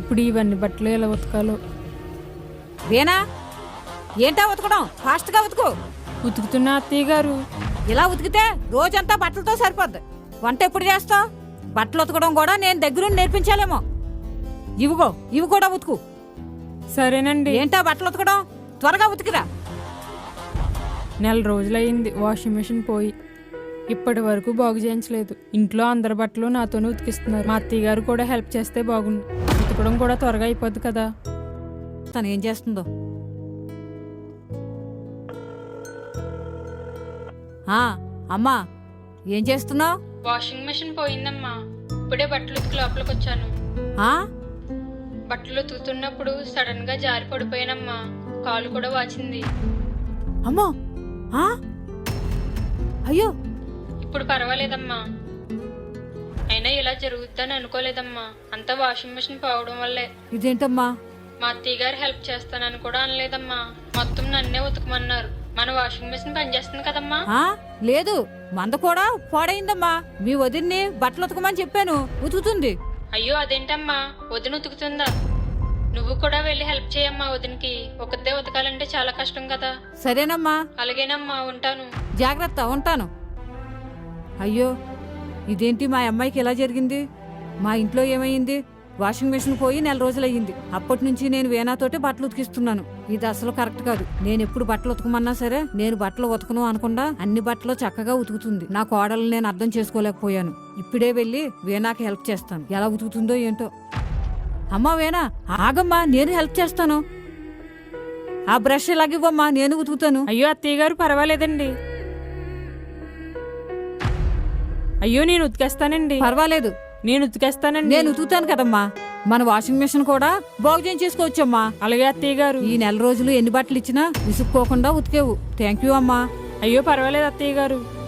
ఇప్పుడు ఇవన్నీ బట్టలు ఎలా ఉతకాలో. వేనా ఏంటా ఉతకడం? ఫాస్ట్గా ఉతుకు. ఉతుకుతున్నా అత్తయ్య గారు. ఇలా ఉతికితే రోజంతా బట్టలతో సరిపోద్ది. వంట ఎప్పుడు చేస్తావు? బట్టలు ఉతకడం కూడా నేను దగ్గరుండి నేర్పించాలేమో. ఇవి కూడా ఉతుకు. సరేనండి. ఏంటా బట్టలు ఉతకడం? త్వరగా ఉతికిరా. నెల రోజులయ్యింది వాషింగ్ మెషిన్ పోయి. ఇప్పటి వరకు బాగు చేయించలేదు. ఇంట్లో అందరి బట్టలు నాతోనే ఉతికిస్తున్నారు. మా అత్తయ్య గారు కూడా హెల్ప్ చేస్తే బాగుండు. ఉతకడం కూడా త్వరగా అయిపోద్ది కదా. తను ఏం చేస్తుందో. అమ్మా ఏం చేస్తున్నావు? వాషింగ్ మెషిన్ పోయిందమ్మా. ఇప్పుడే బట్టలు ఉతికి లోపలికి వచ్చాను. బట్టలు ఉతుకుతున్నప్పుడు సడన్ గా జారి పడిపోయానమ్మా. కాలు కూడా వాచింది. అమ్మో అయ్యో. ఇప్పుడు పర్వాలేదమ్మా. అయినా ఇలా జరుగుద్దని అనుకోలేదమ్మా. అంతా వాషింగ్ మెషిన్ పోవడం వల్లే. ఇదేంటమ్మా? మా అత్తయ్య గారు హెల్ప్ చేస్తానని కూడా అనలేదమ్మా. మొత్తం నన్నే ఉతకమన్నారు. మన వాషింగ్ మెషిన్ పనిచేస్తుంది కదమ్మా. లేదు, మంద కూడా పాడైందమ్మా. మీ వదిన్ని బట్టలు ఉతకమని చెప్పాను, ఉతుకుతుంది. అయ్యో అదేంటమ్మా, వదిన ఉతుకుతుందా? నువ్వు కూడా వెళ్ళి హెల్ప్ చేయమ్మా వదినికి. ఒకతే ఉతకాలంటే చాలా కష్టం కదా. సరేనమ్మా. అలాగేనమ్మా, ఉంటాను. జాగ్రత్త, ఉంటాను. అయ్యో ఇదేంటి మా అమ్మాయికి ఎలా జరిగింది? మా ఇంట్లో ఏమైంది? వాషింగ్ మెషిన్ పోయి నెల రోజులయ్యింది. అప్పటి నుంచి నేను వేనాతోటే బట్టలు ఉతికిస్తున్నాను. ఇది అసలు కరెక్ట్ కాదు. నేను ఎప్పుడు బట్టలు ఉతకమన్నా సరే నేను బట్టలు ఉతకను అనకుండా అన్ని బట్టలు చక్కగా ఉతుకుతుంది. నా కోడలు నేను అర్థం చేసుకోలేకపోయాను. ఇప్పుడే వెళ్ళి వేనాకి హెల్ప్ చేస్తాను. ఎలా ఉతుకుతుందో ఏంటో. అమ్మా వేనా ఆగమ్మా, నేను హెల్ప్ చేస్తాను. ఆ బ్రష్ ఇలాగివ్వమ్మా, నేను ఉతుకుతాను. అయ్యో అత్తయ్య గారు పర్వాలేదండి. అయ్యో నేను ఉతికేస్తానండి. పర్వాలేదు, నేను ఉతికేస్తానండి. నేను ఉతుకుతాను కదమ్మా. మన వాషింగ్ మెషిన్ కూడా బాగు చేయించేసుకోవచ్చమ్మా. అలాగే అత్తయ్య గారు. ఈ నెల రోజులు ఎన్ని బట్టలు ఇచ్చినా విసుక్కోకుండా ఉతికేవు. థ్యాంక్ యూ అమ్మా. అయ్యో పర్వాలేదు అత్తయ్య గారు.